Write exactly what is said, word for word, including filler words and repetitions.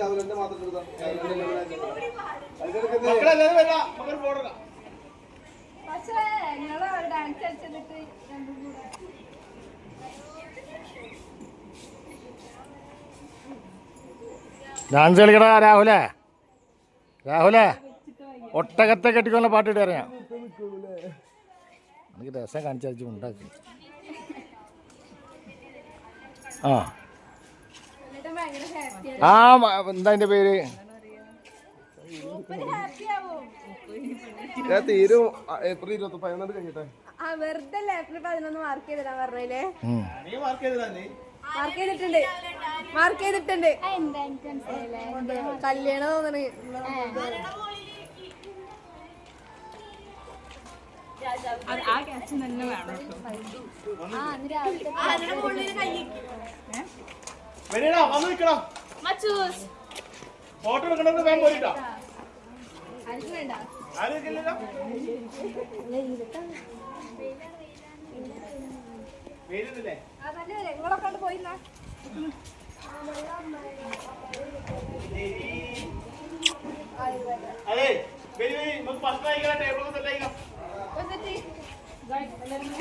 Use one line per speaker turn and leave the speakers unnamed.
Dance കളിക്കടാ രാഹുലേ. രാഹുലേ ഒട്ടകത്തെ കെട്ടിക്കൊള്ള പാട്ടിട്ട് അറിയാം. എനിക്ക് രസം കാണിച്ചു ഉണ്ടാക്കി. ആ ആ എന്താ അതിന്റെ പേര്?
തീരും ഏപ്രിൽ ഇരുപത്തി പതിനൊന്ന് കഴിഞ്ഞിട്ടെ.
വെറുതെ ഏപ്രിൽ പതിനൊന്ന് മാർക്ക് ചെയ്തിടാ പറഞ്ഞേ. മാർക്ക് ചെയ്തിട്ടുണ്ട് മാർക്ക് ചെയ്തിട്ടുണ്ട് കല്യാണം തോന്നണേ.
ഫോട്ടോ എടുക്കണമെന്ന് വേഗം പോയിട്ടോ.
നിങ്ങളൊക്കെ പോയില്ല.
അതെ